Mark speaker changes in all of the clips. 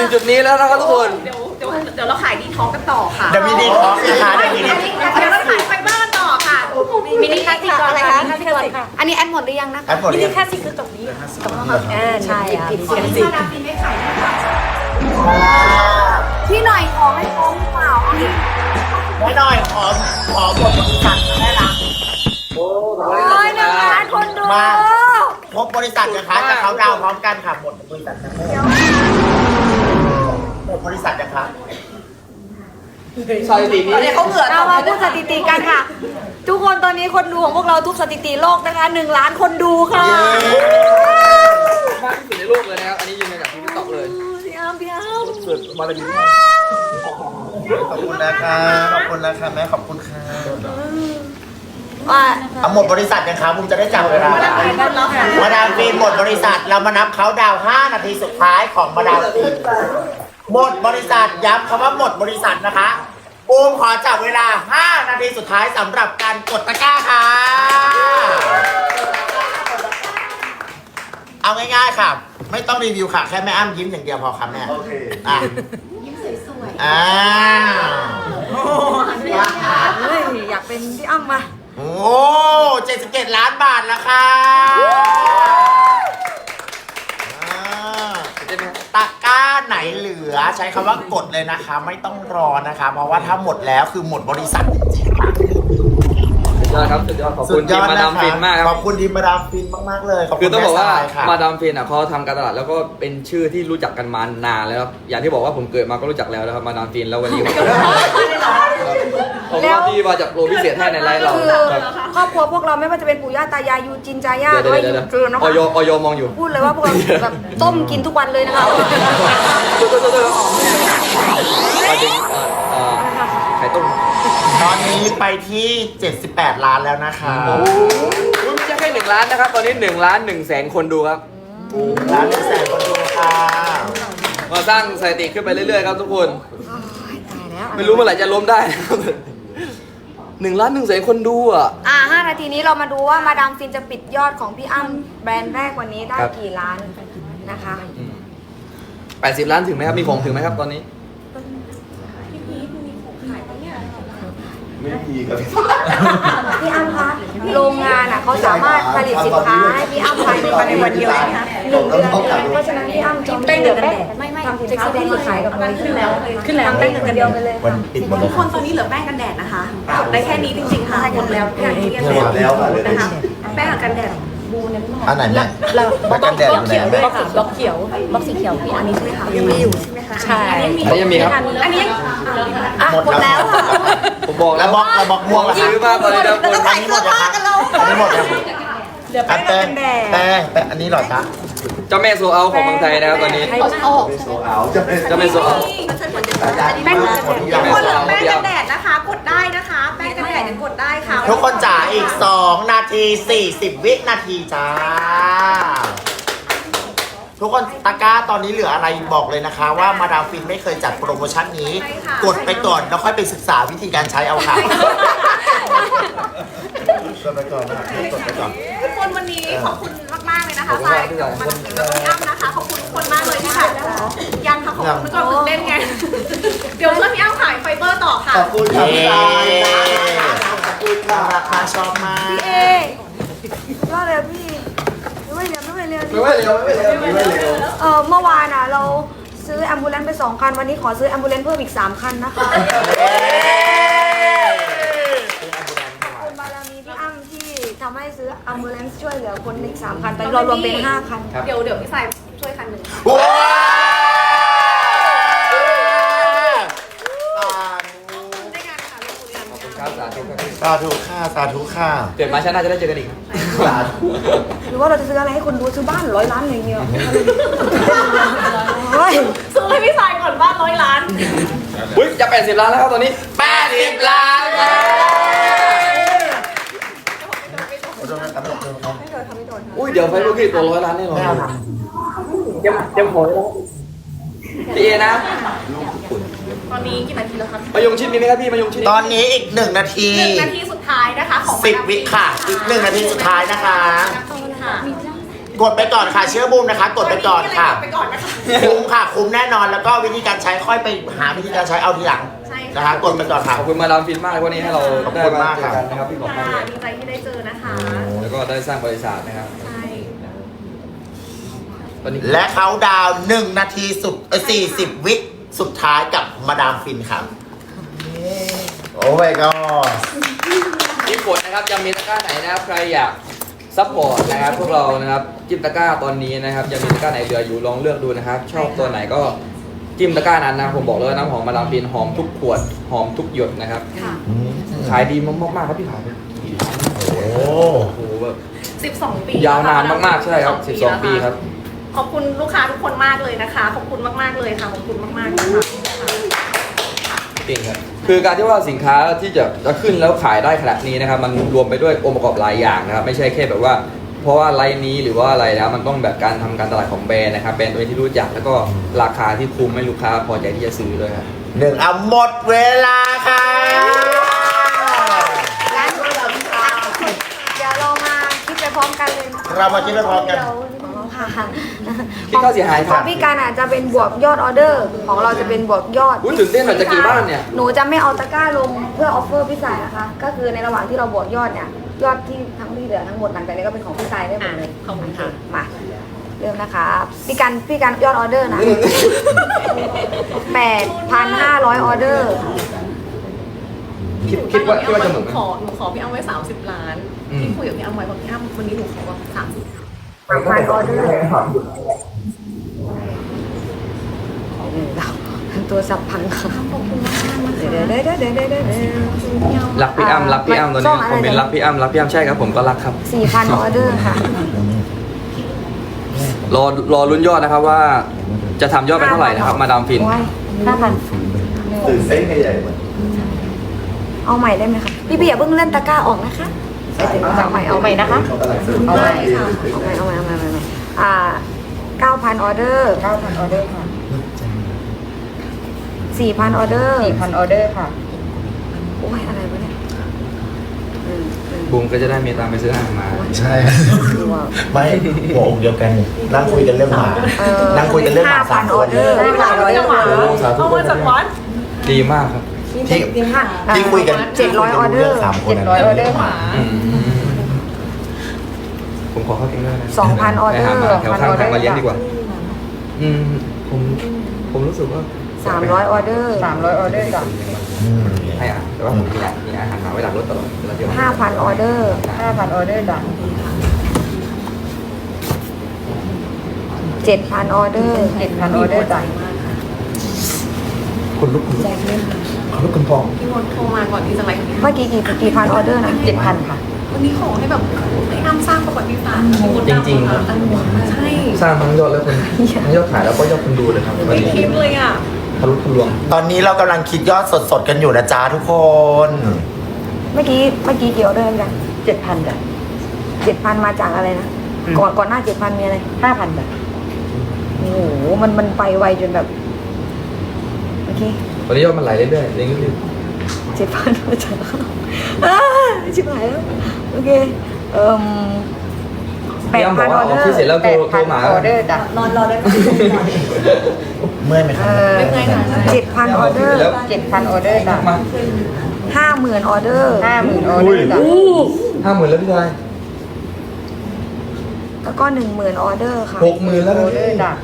Speaker 1: จุดนี้แล้วนะครับทุกคน
Speaker 2: เดี๋ยวเราขายดีท็อกกันต่อค่ะ
Speaker 3: เดี๋ยวมีดีท็อกนะคะเดี๋ยวมีดี
Speaker 2: เดี๋ยวเราขายไฟเบอร์กันต่อค่ะ
Speaker 4: มินิคลาสสิกอะไรคะมินิคลาสสิกอันนี้แอดหมดหรือยังนะคะ
Speaker 3: แอดหมด
Speaker 4: มิ
Speaker 3: หรือ
Speaker 4: นิ
Speaker 3: ยัง
Speaker 4: คลาสสิกคือตรงนี้ตรงนี้ใช่อ่ะ
Speaker 2: ที่มาดามฟินไม่ขายนะคะ
Speaker 4: พี่หน่อยขอให้พร้อมเปล่า
Speaker 3: ไว้หน่อยขอหมดบริษัทได้ละ
Speaker 1: โอ้
Speaker 4: โอ้ยนะคะคนดู
Speaker 3: มาครบบริษัทนะคะจะเขาดาวพร้อมกันค่ะหมดบริษัทนะหมดบริษัทนะคะ
Speaker 1: สถิตินี้
Speaker 2: เขาเหงื่อ
Speaker 4: เรามาพูดสถิติกันค่ะ ทุกคนตอนนี้คนดูของพวกเราทุกสถิติโลกนะคะ1 ล้านคนดูค่ะ
Speaker 1: มากที่สุดในโลกเลยนะครับ อันนี้ยืนยันจากที่ติ๊กต็อกเลย
Speaker 4: พี่อ้ำพี่อ้ำ
Speaker 1: สุดมาเลยดีมาก
Speaker 3: ขอบคุณนะคะขอบคุณนะคะแม่ขอบคุณค่ะ
Speaker 4: ว่า
Speaker 3: เอาหมดบริษัทยังคะบุมจะได้จำเวลามาดามฟินหมดบริษัทเรามานับเขาดาว5 นาทีสุดท้ายของมาดามฟินหมดบริษัทย้ำคำว่าหมดบริษัทนะคะบูมขอจับเวลา5 นาทีสุดท้ายสำหรับการกดตะกร้าค่ะเอาง่ายๆค่ะ ไม่ต้องรีวิวค่ะแค่แม่อ้ำยิ้มอย่างเดียวพอครับแม่โอเคอ่ะยิ้มสวยๆ
Speaker 4: เฮ้ยอยากเป็นพี่อ้ำมา
Speaker 3: โอ้77 ล้านบาทแล้วค่ะตะกร้าไหนเหลือใช้คำว่ากดเลยนะคะ ไม่ต้องรอนะคะ เพราะว่าถ้าหมดแล้วคือหมดบริษัทจริงๆค่ะ
Speaker 1: สุดยอดครับสุดยอดขอบคุณทีมมาดามฟินมากค
Speaker 3: ข
Speaker 1: รั
Speaker 3: อบคุณทีมมาดามฟินมากๆเลยขอบ
Speaker 1: คื
Speaker 3: คุ
Speaker 1: อ
Speaker 3: ณ
Speaker 1: ต้องบอกว่า
Speaker 3: แทรยค่ะ
Speaker 1: มาดามฟินอ่ะเขาทำการตลาดแล้วก็เป็นชื่อที่รู้จักกันมานานแล้วครับอย่างที่บอกว่าผมเกิดมาก็รู้จักแล้วนะครับมาดามฟินแล้ววันนี้ผมก็ที่มาจากโปรพิเศษให้ในไลฟ์เรา
Speaker 4: คือ
Speaker 1: ครับ
Speaker 4: ครอบครัวพวกเราไม่ว่าจะเป็นปู่ย่าตายายยูจินจาย่าห
Speaker 1: เดี๋
Speaker 4: รื
Speaker 1: ยว
Speaker 4: อว่า
Speaker 1: เดี๋ยว
Speaker 4: ยู
Speaker 1: เดี๋ยว
Speaker 4: เกินนะ
Speaker 1: อ
Speaker 4: คะ
Speaker 1: อยมองอยู่
Speaker 4: พูดเลยว่าพวกเราแบบต้มกินทุกวันเลยนะคะ
Speaker 1: มาถึงไข่ต้ม
Speaker 3: ตอนนี้ไปที่ 78 ล้านแล้วนะคะ
Speaker 1: ไม่ใช่แค่1 ล้านนะครับ ตอนนี้1 ล้าน1แสนคนดูครับ
Speaker 3: ล้าน1 แสนคนดูค่ะ
Speaker 1: มาสร้างสถิติขึ้นไปเรื่อยๆครับทุกคน
Speaker 4: ตายแล้ว
Speaker 1: ไม่รู้เมื่อไหร่จะล้มได้นะครับ1 ล้าน1แสนคนดูอ่ะ
Speaker 4: 5 นาทีนี้เรามาดูว่ามาดามฟินจะปิดยอดของพี่อ้ำแบรนด์แรกวันนี้ได้
Speaker 1: ครับ
Speaker 4: กี่ล้านนะคะ
Speaker 1: 80 ล้านถึงไหมครับ มีของถึงไหมครับตอนนี้
Speaker 3: ไม่มีครับ
Speaker 4: พี่อ้ำคะโรงงานอ่ะเขาสามารถผลิตสินค้าให้พี่อ้ำภายในวันเดียวนะคะ1 เดือนเพราะฉะนั้นพี่อ้ำจองได้1 เดือนไม่ทำสินค้าแบรนด์ขายกับเราขึ้นแล้วทำได้1 เดือนไปเลย
Speaker 3: วันปิดหมดเล
Speaker 2: ทุ
Speaker 3: ย
Speaker 2: กคนตอนนี้เหลือแป้งกันแดดนะคะจบได้แค่นี้จริงๆค่ะหมดแล้วอย่างที่เรียนนะคะแป้งกับกันแดด
Speaker 3: อันไหนแม่แม่กันแดดอยู่ไหนแม่
Speaker 4: บล็อกเขียวบล็อกสีเขียวพี่อันนี้ใช่ไหมคะ
Speaker 2: ยังมีอยู่ใช่ไหมคะ
Speaker 4: ใช่
Speaker 1: อันนี้ยังมีครับ
Speaker 2: อันนี้ยัง
Speaker 3: หมดแล้ว
Speaker 1: ผมบอก
Speaker 3: แล้
Speaker 1: แล้ว ว
Speaker 3: บล็อกม่วงล่ะ
Speaker 1: ซื้อมาตอนนี้นะคุณ
Speaker 3: อันนี้หมดยังคะอันนี้หมดยัง
Speaker 4: เหลือแป้งกันแดด
Speaker 3: แป้งอันนี้เหรอคะ
Speaker 1: เจ้าแม่โซเอาของเมืองไทยนะครับตอนนี้ เจ้าแม่โซเอา
Speaker 4: แป้งกันแดด
Speaker 2: ทุกคนเหลือแป้งกันแดดนะคะ กดได้นะคะ แป้งกันแดดยังกดได้ค่ะ
Speaker 3: ทุกคนจ๋าอีก 2 นาที 40 วินาทีจ้า ทุกคนตะกร้าตอนนี้เหลืออะไรบอกเลยนะคะ ว่ามาดามฟินไม่เคยจัดโปรโมชั่นนี้ กดไปก่อนแล้วค่อยไปศึกษาวิธีการใช้เอาค่ะกดไปก่อนนะกดไปก่อน
Speaker 2: ทุกคนวันนี้ขอบคุณมากๆเลยนะคะสายกับมันถึงแล้วก็พี่อ้ำนะคะ ขอบคุณทุกคนมากเลยที่ค่ะยังค่ะขอบคุณทุกคนตื่นเต้นไง เดี๋ยวช่วยพี่อ้ำขายไฟเบอร์ต่อค่ะ
Speaker 3: ขอบคุณครับขอบคุณค่ะราคาชอบมาก
Speaker 4: พี่เอรอดเลยพี่ไม่เร็ว
Speaker 3: ไม่เร็ว
Speaker 4: เมื่อวานอ่ะเราซื้อแอมบูเลนซ์ไป2 คันวันนี้ขอซื้อแอมบูเลนซ์เพิ่มอีก3 คันนะคะคุณบารมีพี่อ้ำที่ทำให้ซื้อแอมบูเลนซ์ช่วยเหลือคนอีก3 คันตอนนี้เรารวมเป็น5 คัน
Speaker 2: เดี๋ยวพี่สายช่วยคันหนึ่งค่ะ
Speaker 3: ว้าว
Speaker 2: ได้งานค่ะลูกคุณ
Speaker 1: ขอบคุณครับสาธุครับ
Speaker 3: สาธุค่ะสาธุค่ะ
Speaker 1: เกิดมาชาติหน้าจะได้เจอกันอีก
Speaker 3: สาธุ
Speaker 4: หรือว่าเราจะซื้ออะไรให้คนดูซื้อบ้าน100 ล้านเลยเนี่ยเฮ้ย
Speaker 2: ซื้อให้พี่สายก่อนบ้าน100 ล้าน
Speaker 1: อุ้ยจะ80 ล้านแล้วครับตอนนี้
Speaker 3: 80 ล้านค่ะ
Speaker 1: อุ้ยเดี๋ยวไฟลูกพี่ตัว100 ล้านแน่นอนยังหอยแล้วพี่เอนะ
Speaker 2: ตอนนี้กี่นาทีแล้วคะ
Speaker 1: มายงชิดมีไหมครับพี่มายงชิด
Speaker 3: ตอนนี้อีก1 นาที
Speaker 2: 1 นาทีสุดท้ายนะคะของ
Speaker 3: 10 วิค่ะ อีก1 นาทีสุดท้ายนะคะ
Speaker 2: ค่ะ
Speaker 3: กดไปก่อนค่ะเชื่อบูมนะคะ กดไปก่อนค่ะ
Speaker 2: ไปก่อนนะคะ
Speaker 3: คุ้มค่ะคุ้มแน่นอนแล้วก็วิธีการใช้ค่อยไปหาวิธีการใช้เอาทีหลัง
Speaker 2: ใช่
Speaker 3: นะคะกดไปก่อนค่ะ
Speaker 1: ขอบคุณมาดามฟินมากเลยวันนี้ให้เรา
Speaker 3: ขอบ
Speaker 1: ได้
Speaker 3: คุณ
Speaker 1: มาม
Speaker 3: าก
Speaker 1: เจ
Speaker 3: ครั
Speaker 1: อบ กันนะครับพี่บอกมาก
Speaker 2: ค่ะ
Speaker 1: เลย
Speaker 2: ดีใจที่ได้เจอนะคะ
Speaker 1: แล้วก็ได้สร้างบริษัทนะครับ
Speaker 2: ใช่
Speaker 1: ตอนนี้
Speaker 3: และเขาดาวน์1 นาทีสุด40 วิสุดท้ายกับมาดามฟินครับโอ้ my god
Speaker 1: ที่กดนะครับยังมีตะกร้าไหนนะครับใครอยากซัพพอร์ตนะครับพวกเรานะครับจิ้มตะกร้าตอนนี้นะครับยังมีตะกร้าไหนเหลืออยู่ลองเลือกดูนะครับ ชอบตัวไหนก็จิ้มตะกร้านั้นนะผมบอกเลยว่าน้ำหอมมาดามฟินหอมทุกขวดหอมทุกหยดนะครับ
Speaker 2: ค่ะ
Speaker 1: ขายดีมากๆครับพี่ขายไป
Speaker 3: โอ้
Speaker 1: โอ้โหแบบ
Speaker 2: 12 ปี
Speaker 1: ยาวนานมากๆใช่ครับ12 ปีครับ
Speaker 2: ขอบคุณลูกค้าทุกคนมากเลยนะคะ ขอบคุณมากๆเลยค่ะ ขอบคุณมากๆนะคะ
Speaker 1: จริงครับคือการที่ว่าสินค้าที่จะขึ้นแล้วขายได้ขนาดนี้นะครับมันรวมไปด้วยองค์ประกอบหลายอย่างนะครับไม่ใช่แค่แบบว่า เพราะว่าไลน์นี้หรือว่าอะไรนะมันต้องแบบการทำการตลาดของแบรนด์นะครับแบรนด์ตัวที่รู้จักแล้วก็ราคาที่คุ้มให้ลูกค้าพอใจที่จะซื้อด้วยครับ
Speaker 3: 1เอาหมดเวลาค่ะ
Speaker 4: งั้นเดี๋ยวเรามาคิดไปพร้อมกันเลย
Speaker 3: เรามาคิดไปพร้อมกัน
Speaker 4: ค่ะ
Speaker 1: คิดค่าเสียหายค
Speaker 4: ข
Speaker 1: รั
Speaker 4: อบ งพี่การอาจจะเป็นบวกยอดออเดอร์ ของเราจะเป็นบวกยอด
Speaker 1: อุ๊ยตื่นเต้นหน่อยจะกี่บ้านเนี่ย
Speaker 4: หนูจะไม่เอาตะกร้าลงเพื่อออฟเฟอร์พี่สายนะคะ ก็คือในระหว่างที่เราบวกยอดเนี่ย ยอดที่ทั้งที่เหลือทั้งหมดหลังจากนี้ก็เป็นของพี่สายได้หมดเลย
Speaker 2: ขอบคุณค่ะ
Speaker 4: มาเริ่มนะคะพี่การยอดออเดอร์นะ 8,500 ออเดอร์
Speaker 1: คิดว่าจะหมดไหม
Speaker 2: หนูขอพี่อ้ำไว้30 ล้าน
Speaker 1: อืม
Speaker 2: ที่คุยกับพี่อ้ำไว้บอกพี่อ้ำวันนี้หนูขอแบบ30
Speaker 4: 3,000 ออเดอร์ตัวสับพังค่ะ
Speaker 2: ขอบคุณมากๆนะคะ
Speaker 4: เดี๋ยว
Speaker 1: รักพี่อ้ำรักพี่อ้ำตอนนี้คอมเมนต์รักพี่อ้ำรักพี่อ้ำใช่ครับผมก็รักครับ
Speaker 4: 4,000 ออเดอร์ค่ะ
Speaker 1: รอลุ้นยอดนะครับว่าจะทำยอดไปเท่าไหร่นะครับมาดามฟิน
Speaker 4: โอ้ย5,000
Speaker 3: ตื่นเต้นใหญ่เหมือน
Speaker 4: เอาใหม่ได้ไหมคะพี่อย่าเพิ่งเล่นตะกร้าออกนะคะเอาใหม่นะคะ
Speaker 2: เอาใหม่ค่ะ
Speaker 4: เอาใหม่9,000 ออเดอร์ 9,000 ออเดอร์ค่ะ 4,000 ออเดอร์ 4,000 ออเดอร์ค่ะ โอ้ยอะไรวะเนี่ย
Speaker 1: บูมก็จะได้มีตังค์ไปซื้ออาหารมา
Speaker 3: ใช่ไม่หัวอกเดียวกันนั่งคุยกันเรื่องหมานั่งคุยกันเรื่องหมาสาม
Speaker 4: 5,000
Speaker 3: ค
Speaker 4: ออน เดอร์
Speaker 2: ได้เวลาเราจะหวานเอามาจากวัด
Speaker 1: ดีมากครับ
Speaker 3: ที่คุยกัน
Speaker 4: 700 ออเดอร์
Speaker 3: 3 คน
Speaker 4: 700 ออเดอร์
Speaker 2: หวาน
Speaker 1: ผมขอเข้าเกมด้วยนะ
Speaker 4: 2,000 ออเดอร์
Speaker 1: ไปหามาแถวข้างทางมาเลี้ยงดีกว่า ผมรู้สึกว่า
Speaker 4: 300 ออเดอร์ 300 ออเดอร์จ้ะ
Speaker 1: ให้อาหารแต่ว่าผมมีอาหารมาไว้หลังรถตลอดเวลาเที่ยว
Speaker 4: 5,000 ออเดอร์ 5,000 ออเดอร์จ้ะ 7,000 ออเดอร์ 7,000 ออเดอร์จ้ะ
Speaker 1: คนลุกคนพอง
Speaker 2: พี่มดโทรมาก่อนที่จะไลฟ์
Speaker 4: เมื่อกี้กี่พันออเดอร์นะ 7,000 ค่ะ
Speaker 2: วันนี้ขอให้แบบให้อ้ำสร้างประวัติศาสตร์
Speaker 1: จริงๆครับ
Speaker 2: ใช่
Speaker 1: สร้างทั้งยอดแล้วคนทั้งยอดขายแล้วก็ยอดคนดูเลยครับวัน
Speaker 2: ไม่
Speaker 1: นี้
Speaker 2: คิดเลยอ่ะ
Speaker 1: ทะลุทะลวง
Speaker 3: ตอนนี้เรากำลังคิดยอดสดๆกันอยู่นะจ๊ะทุกคน
Speaker 4: เมื่อกี้กี่ออเดอร์กัน7,000จ้ะ7,000 มาจากอะไรนะ ก่อนหน้า 7,000 มีอะไร 5,000จ้ะโอ้โห มันไปไวจนแบบ โอเค
Speaker 1: วันนี้ยอดมันไหลเรื่อยๆเรื่อย
Speaker 4: 7,000 มาจากชิบหายแล้ว โอเค
Speaker 1: ๆพี่อ้ำบอกว่าออกที่เสร็จแล้วโทรมา
Speaker 4: ออเดอร์จ้ะรอได้
Speaker 3: เมื่อยไหมครับ
Speaker 4: 7,000 ออเดอร์ 7,000 ออเดอร์จ้ะ
Speaker 1: มา
Speaker 4: 50,000 ออเดอร์ 50,000 ออเดอร์จ้ะ
Speaker 1: 50,000แล้วพี่ชาย
Speaker 4: แล้วก็ 10,000 ออเดอร์ค่ะ
Speaker 1: 60,000แล้ว
Speaker 4: ออเดอร์จ้ะ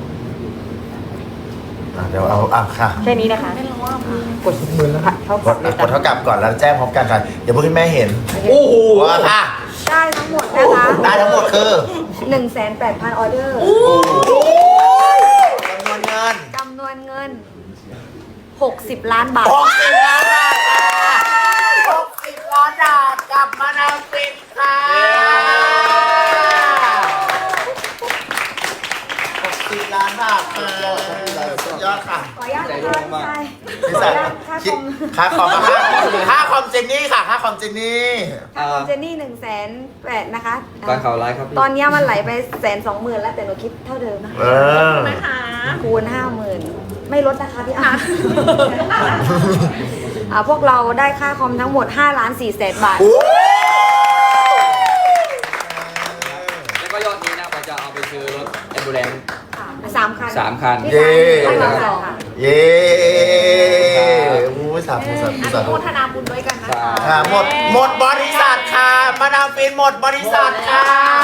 Speaker 3: เดี๋ยวเอาค่ะ
Speaker 4: แค่นี้นะคะ
Speaker 1: กด60,000แล้ว
Speaker 3: กดเท่ากับก่อนแล้วแจ้งพร้อมกันค่ะเดี๋ยวพวกคุณแม่เห็น
Speaker 1: โอ้โห
Speaker 3: ว่าค่ะ
Speaker 4: ได้ทั้งหมดนะคะ
Speaker 3: ได้ทั้งหมดคือ
Speaker 4: 1,800 ออเดอร์
Speaker 3: จำนวนเงิน
Speaker 4: จำนวนเงิน 60 ล้านบาท
Speaker 3: 60 ล้านบาทค่ะ60 ล้านบาทกลับมาดามฟินค่ะ60 ล้านบาทสุดยอดค่ะ
Speaker 4: ขออนุญาตนะคะ
Speaker 3: พี่สายคิดค่าคอมเจนนี่ค่ะค่าคอมเจนนี่
Speaker 4: ค่าคอมเจนนี่1,800,000นะคะ
Speaker 1: การข่าวไลฟ์ครับพี่
Speaker 4: ตอนนี้มันไหลไป120,000แล้วแต่หนูคิดเท่าเดิมนะ
Speaker 2: นะคะ
Speaker 4: คูณ 50,000 ไม่ลดนะคะพี่อ้ำพวกเราได้ค่าคอมทั้งหมด5,400,000 บาท
Speaker 1: แล้วก็ยอดนี้นะไปไปซื้อรถแอมบูเลนซ์
Speaker 4: 3 คัน
Speaker 1: 3 คัน
Speaker 3: เย้
Speaker 4: ให้เราสอง
Speaker 3: เย้อู้สาธุสาธุ
Speaker 2: อัน
Speaker 3: สา
Speaker 2: นี้
Speaker 3: ธุ
Speaker 2: โมทนาบุญด้วยกันนะคะ
Speaker 3: ค่ะหมดบริษัทค่ะมาดามฟินหมดบริษัทค่ะ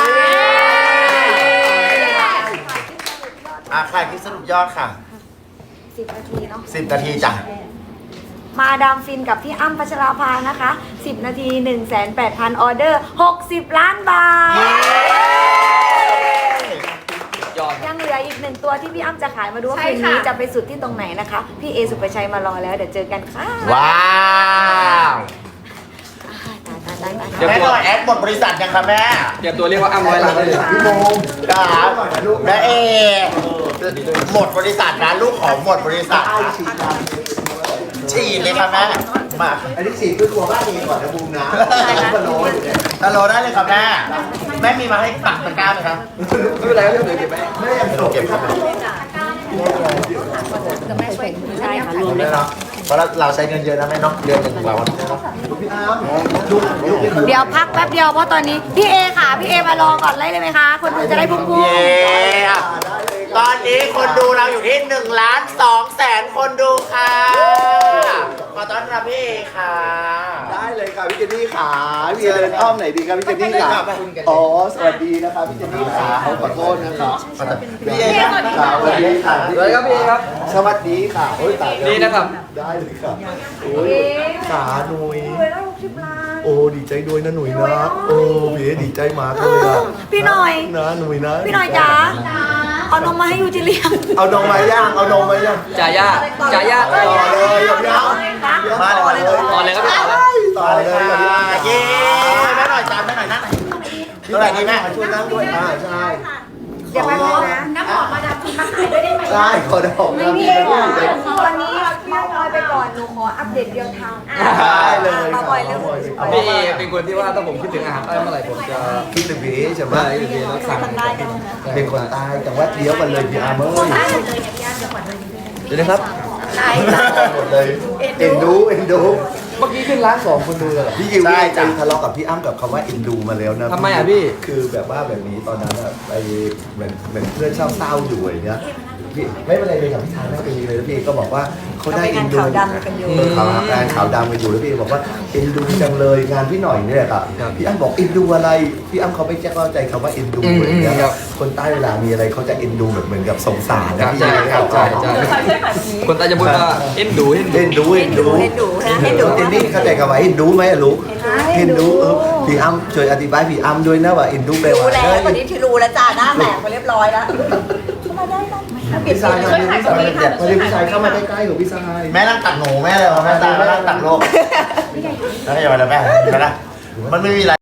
Speaker 3: ขายคลิปสรุปยอดค่ะ
Speaker 4: 10 นาทีเนาะ
Speaker 3: 10 นาทีจ้ะ
Speaker 4: มาดามฟินกับพี่อ้ำพัชราภานะคะ 10 นาที 1,800,000 ออเดอร์ 60 ล้านบาท
Speaker 1: ยอด
Speaker 4: ยังเหลืออีก1 ตัวที่พี่อ้ำจะขายมาดูว่า
Speaker 2: ใช่
Speaker 4: คืน
Speaker 2: ค่ะ
Speaker 4: นี้จะไปสุดที่ตรงไหนนะคะ พี่เอสุปชัยมารอแล้วเดี๋ยวเจอกันค่ะ
Speaker 3: ว้าว
Speaker 4: ตาย
Speaker 1: เดี๋ยว
Speaker 3: แม่หน่อยแอดหมดบริษัทยังคะแม่
Speaker 1: เตรียมตัวเรียกว่าอ้ำร้อยล้านได้เลย
Speaker 3: ครับแม่เอหมดบริษัทนะลูกของหมดบริษัทนะฉีดเลยค่ะแม่มา
Speaker 5: อันนี้ฉีดคือตัวบ้านเองก่อนนะบูมนะมาโรยเนี่ย
Speaker 3: ฮัลโหลได้เลยครับแม่แม่มีมาให้ปักตะกร้าไหมครับ
Speaker 1: ไม่เป็นไรครับเดี๋ยวเก็บไว้
Speaker 5: ไม่ยังโดด
Speaker 3: เก็บครับ
Speaker 4: ใช่ค่ะ
Speaker 3: รวมเลยเนาะเพราะเราใช้เงินเยอะนะแม่เนาะเดือนหนึ่งเรา
Speaker 5: พี่อาร์มลูกนี่
Speaker 4: เดี๋ยวพักแป๊บเดียวเพราะตอนนี้พี่เอค่ะพี่เอมารอก่อนเลยไหมคะ คนดูจะได้พุ่ง
Speaker 3: เย้ตอนนี้คนดูเราอยู่ที่1,200,000 คนดูค่ะขอต้อนรับพี่เอค่ะ
Speaker 5: ได้เลยค่ะพี่เจนนี่ขาพี่เดินอ้อมไหนดีครับพี่เจนนี่ขาอ๋อสวัสดีนะครับพี่เจนนี่ขาขอโทษนะครับพี่เอครับสวัสดีค่ะ
Speaker 1: สวัสดีครับพี่ครับ
Speaker 5: สวัสดีค่ะโอ้ยตายแล้ว
Speaker 1: นี่นะครับ
Speaker 5: ได้เลยค่ะ
Speaker 4: ๆ
Speaker 5: โอ้ยขาหนุย
Speaker 4: รวยแล้ว60 ล้าน
Speaker 5: โอ้ดีใจด้วยนะหนุยนะโอ้พี่เอดีใจมากเลยอะ
Speaker 4: พี่หน่อย
Speaker 5: นะหนุยนะ
Speaker 4: พี่หน่อยจ๋าเอานมมาให้ยูจิเลียง
Speaker 5: เอานมมาย่างเอานมมาย่าง
Speaker 1: จ่ายา
Speaker 5: ต่อเลยยาว
Speaker 3: มาเลย
Speaker 1: ต่อเลยครับพี่ต่อเลย
Speaker 5: ต่อเลย
Speaker 3: เย้แม่หน่อยจานแม่หน่อยนั่งหน่อยเท่าไหร่ดีแม่
Speaker 5: ช่วยนั่งด้วยใช่
Speaker 4: เดี๋ยวแป๊บนึงนะ
Speaker 2: น้ำหอมมาดามฟินมาขายด้วยได้ไหม
Speaker 5: ใช่ขอดอก
Speaker 4: ไม่มีเลยค่ะตอนนี้เมาส์มอยไปก่อนหนูขออัปเดตเดียวทาง
Speaker 5: ได้เลย
Speaker 4: มาบ่อยเร็ว
Speaker 1: พี่เอเป็นคนที่ว่าถ้าผมคิดถึงอาหารใต้เมื่อไหร่ผมจะ
Speaker 5: คิดถึงพี่ใช่ไหม
Speaker 1: ได้พี่แล้วสั่ง
Speaker 5: เป็นคนใต้แต่ว่าเดียวกันเลยพี่อาร์เมอร์
Speaker 1: เดี๋ยวนะครับ
Speaker 5: หมดเลยเอ็นดู
Speaker 1: เมื่อกี้ขึ้นร้าน2คนดูเลยเหรอ
Speaker 5: พี่ยิวนี่ไปทะเลาะกับพี่อ้ำกับคำว่าเอ็นดูมาแล้วนะ
Speaker 1: ทำไมอ่ะพี่
Speaker 5: คือแบบว่าแบบนี้ตอนนั้นอะไปเหมือนเพื่อนเศร้าๆอยู่อย่างเงี้ยพี่ไม่เป็นไรเลยกับพี่ชายไม่เป็นไรเลยแล้วพี่ก็บอกว่าเขาได้เอ็นดูเขางานขาวดำกันอยู่แล้วพี่บอกว่าเอ็นดูจังเลยงานพี่หน่อยเนี่ยครับพี่อ้ำบอกเอ็นดูอะไรพี่อ้ำเขาไม่แจ้เข้าใจคำว่าเอ็นดูอย่างเงี้ยคนใต้เวลามีอะไรเขาจะเอ็นดูแบบเหมือนกับสงสาร
Speaker 1: ครั
Speaker 5: นะ
Speaker 1: บ
Speaker 5: พี่
Speaker 1: ใช่ครับใช่คนใต้จะพูดว่าเอ็นดูเอ็นดู
Speaker 5: เอ็นดูเอ็นดูเอ็นดูเอ็นนี่เข้าใจคำว่าเอ็นดูไหมอะลูกเอ็นดูพี่อ้ำช่วยอธิบายพี่อ้ำด้วยนะว่าเอ็นดูแปลว่า
Speaker 6: รู้แล้ววันนี้ที่รู้แล้วจ้าหน้าแหลกไปเรียบร้อยแล้ว
Speaker 5: พี่ชายมาพี่ชายมาพี่ชายเข้ามาใกล้ๆของพี่ชาย
Speaker 3: แม่นั่งตักหนูแม่เลยแม่ตาแม่นั่งตักโลกแล้วก็อย่าไปเลยแม่ไปละมันไม่มีอะไร